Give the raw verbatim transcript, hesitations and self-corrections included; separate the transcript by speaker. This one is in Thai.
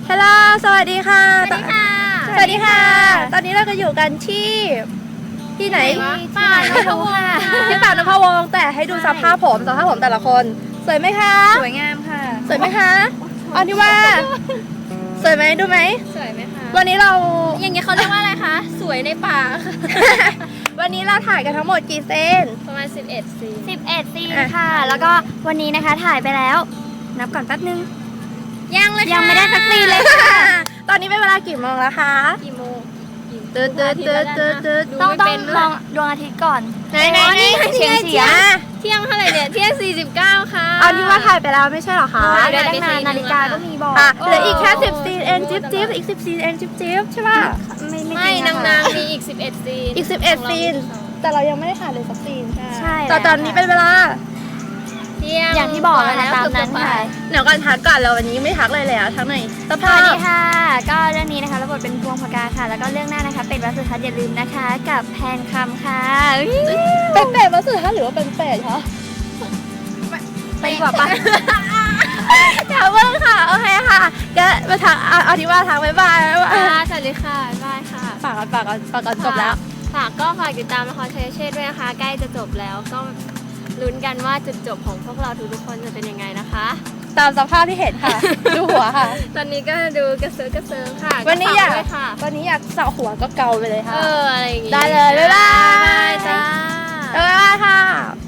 Speaker 1: ฮัลโหลสวัสดีค่ะ
Speaker 2: สวัสดีค่ะ
Speaker 1: สวัสดีค่ะ ตอนนี้เราก็อยู่กันที่ที่ไหน
Speaker 2: ป่านพวง
Speaker 1: ที่ป่านพวงแต่ให้ดูสภาพผมสภาพผมแต่ละคนสวยไหมคะ
Speaker 2: สวยงามค่ะ
Speaker 1: สวยไหมคะอันที่ว่าสวยไหมดูไหม
Speaker 2: สวยไหมคะ
Speaker 1: วันนี้เรา
Speaker 2: อย่างนี้เขาเรียกว่าอะไรคะ สวยในป่า
Speaker 1: วันนี้เราถ่ายกันทั้งหมดกี่เซน
Speaker 2: ประมาณสิบเอ็ดซีน
Speaker 3: สิบเอ็ดซีน
Speaker 1: อ่ะ
Speaker 3: ค่ะ แล้วก็วันนี้นะคะถ่ายไปแล้ว นับก่อนแป๊บนึง
Speaker 2: ยังเลยค่ะ
Speaker 3: ยังไม่ได้สักซีนเลยค่ะ
Speaker 1: ตอนนี้เป็นเวลากี่โมงแล้วคะ
Speaker 2: กี่โมงกี่
Speaker 1: ตืดตืดตืดตืดตืด
Speaker 2: ดู
Speaker 3: ต้อง
Speaker 2: ไม่
Speaker 3: ต้อง
Speaker 2: เป็นด้ว
Speaker 3: มอย งดวงอาทิตย์ก่อน
Speaker 1: ไหนไหนไหน
Speaker 3: เฉียงเฉียง
Speaker 1: อ่ะ
Speaker 2: เที่ยงเท่าไหร่เนี่ย เที่ยงสี่สิบเก้าค่ะ
Speaker 1: เอาที่ว่าถ่ายไปแล้วไม่ใช่เหรอคะ
Speaker 2: อ๋อ
Speaker 3: เดี๋ยวตั้งนานนาฬิกาก็มีบอก
Speaker 1: อ่ะเหลืออีกแค่สิบซีนเองจิ๊บจิ๊บอีกสิบซีนเองจิ๊บจิ๊บใช่ป่ะ
Speaker 3: ไม่
Speaker 2: ไม่
Speaker 3: ไม่จริ
Speaker 2: นาง
Speaker 3: อะ
Speaker 2: นาง
Speaker 3: ค่ะ
Speaker 2: มีอีกสิบเอ็ดซีน
Speaker 1: อีกสิบเอ็ดซีน แต่เรายังไม่ได้ถ่ายเลยสักซีน
Speaker 3: ใช่
Speaker 1: แต่ตอนนี้เป็นเวลา
Speaker 2: เที่ยง
Speaker 3: อย่างที่บอกนะคะตามนั้นค่ะ
Speaker 1: เดี๋ยวก่อนทักก่อนเราวันนี้ไม่ทักเลยเลยอะทักหน่อยส
Speaker 3: ส
Speaker 1: ภา
Speaker 3: วั
Speaker 1: พ
Speaker 3: สดีค่ะ ก็เรื่องนี้นะคะรับบทเป็นพวงพกาค่ะ แล้วก็เรื่องหน้านะคะ เป็นวัดสุทัศน์อย่าลืมนะคะ กับแพนคำค่ะอุ๊ย
Speaker 1: เป็นเป็ดมาสุดท้ายหรือว่าเป็นเป็ดคะ
Speaker 3: ไปดีกว่าปะ
Speaker 1: อย่าเพิ่งค่ะโอเคค่ะก็มาทักเอาเอาที่ว่าทักบ๊ายบายบ๊ายบาย
Speaker 2: ค่ะสวัสดีค่ะบ๊ายบายค่ะ
Speaker 1: ฝากกันฝากกันฝากกันจบแล้ว
Speaker 2: ฝากก็ฝากติดตามละครเชยเชษด้วยนะคะ ใกล้จะจบแล้วก็ลุ้นกันว่าจุดจบของพวกเราทุกๆคนจะเป็นยังไงนะคะ
Speaker 1: ตามสภาพที่เห็นค่ะ ดูหัวค่ะ
Speaker 2: ตอนนี้ก็ดูกระเซิร์กระเซิงค่ะ
Speaker 1: วันนี้อยาก
Speaker 2: ฝด้วยค่ะ
Speaker 1: วันนี้อยากเสาหัวก็เกาไปเลย
Speaker 2: เอ
Speaker 1: ค่ะ
Speaker 2: ออะไรอย่างงี้
Speaker 1: ได้เลยบ๊ายบาย
Speaker 2: บ๊ายบายจ้า
Speaker 1: บ๊ายบายค่ะ